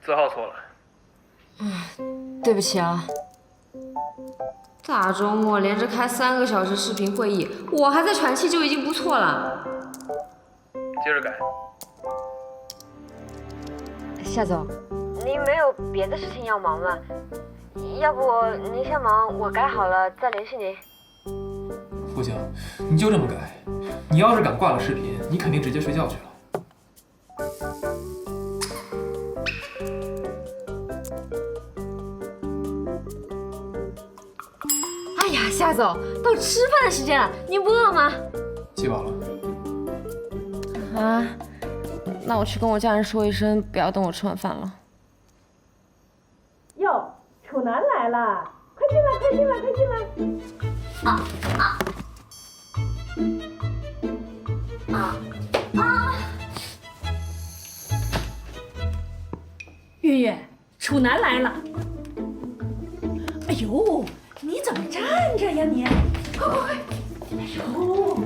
字号错了。 对不起啊。大周末连着开3个小时视频会议，我还在喘气就已经不错了。 接着改。 夏总，您没有别的事情要忙吗？要不您先忙，我改好了再联系您。 付静，你就这么改？你要是敢挂了视频，你肯定直接睡觉去了。 哎呀，夏总，到吃饭的时间了，您不饿吗？ 气饱了。 啊，那我去跟我家人说一声，不要等我吃完饭了。 哟，楚南来了，快进来，快进来，快进来！ 月月，楚南来了。哎呦，你怎么站着呀你？快快快！哎呦，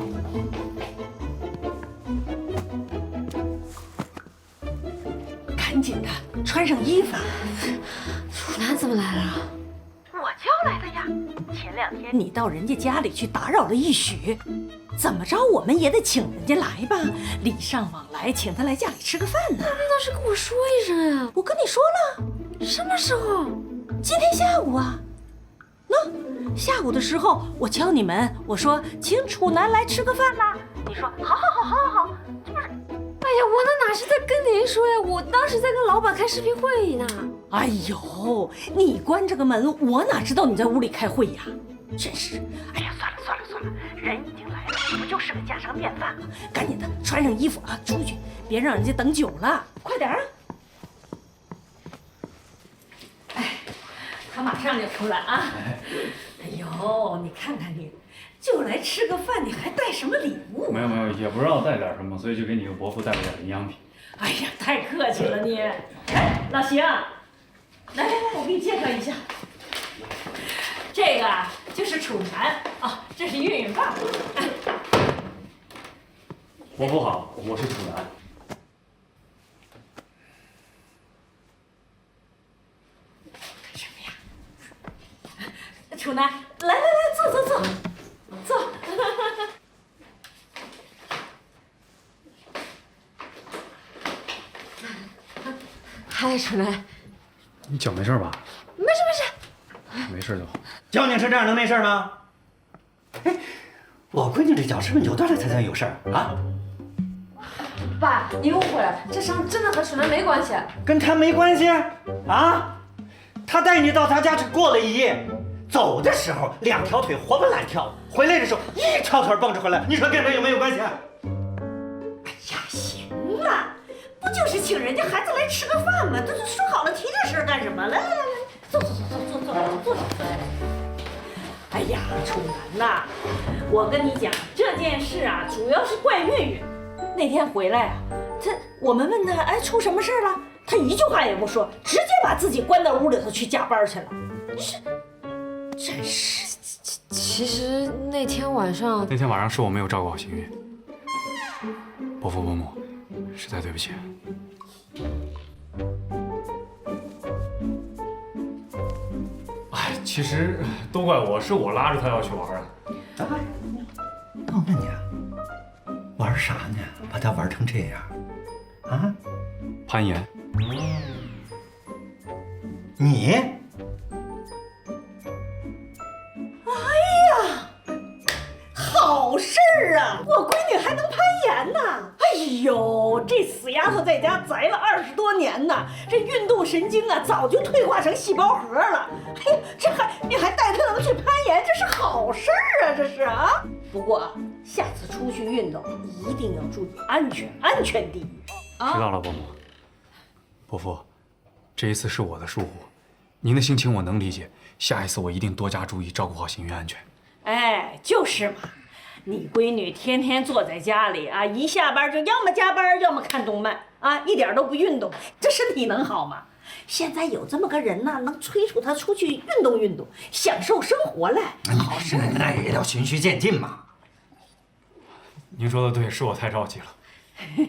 赶紧的，穿上衣服。 楚南怎么来了？ 我叫来的呀。前2天你到人家家里去打扰了一宿，怎么着我们也得请人家来吧，礼尚往来，请他来家里吃个饭呢。 那倒是跟我说一声呀。 我跟你说了， 什么时候？ 今天下午啊。那下午的时候，我敲你门，我说请楚南来吃个饭啦。你说好好好好好好，这不是？ 哎呀，我那哪是在跟您说呀，我当时在跟老板开视频会议呢。 哎呦，你关着个门，我哪知道你在屋里开会呀？真是，哎呀，算了算了算了，人已经来了，不就是个家常便饭吗？赶紧的，穿上衣服啊，出去，别让人家等久了，快点啊！哎，他马上就出来啊！哎呦，你看看你，就来吃个饭，你还带什么礼物？ 没有没有，也不知道带点什么，所以就给你和伯父带了点营养品。 哎呀，太客气了你！哎，老邢，来来来，我给你介绍一下，这个啊就是楚南啊，这是韵韵爸爸。 伯父好，我是楚南。 干什么呀？楚南，来来来，坐坐坐，坐。 嗨，楚南。 你脚没事吧？ 没事没事。 没事就好。 交警是这样能没事吗？哎，我闺女这脚是不是扭断了才算有事儿啊？ 爸，你误会了，这伤真的和楚南没关系。 跟她没关系啊？她带你到她家去过了一夜，走的时候2条腿活蹦乱跳，回来的时候一条腿蹦着回来，你说跟这有没有关系？ 哎呀，行了，不就是请人家孩子来吃个饭吗？都说好了提这事干什么？来来来来，坐坐坐坐坐坐坐。哎呀，楚南呐，我跟你讲这件事啊，主要是怪韵韵。那天回来啊，我们问他，哎，出什么事了？他一句话也不说，直接把自己关到屋里头去加班去了。真是。 其实那天晚上是我没有照顾好邢韵，伯父伯母，实在对不起。哎，其实都怪我，是我拉着他要去玩的。 那我问你啊，玩啥呢？把他玩成这样，啊？ 攀岩。 你？ 好事儿啊！我闺女还能攀岩呢！哎呦，这死丫头在家宅了20多年呢，这运动神经啊早就退化成细胞核了。哎呀，你还带她能去攀岩，这是好事儿啊！这是啊。不过下次出去运动一定要注意安全，安全第一啊！ 知道了，伯母。伯父，这一次是我的疏忽，您的心情我能理解，下一次我一定多加注意，照顾好邢韵安全。 哎，就是嘛。你闺女天天坐在家里啊，一下班就要么加班，要么看动漫啊，一点都不运动，这身体能好吗？现在有这么个人呢，能催促她出去运动运动，享受生活来。 好事那也要循序渐进嘛。 您说的对，是我太着急了。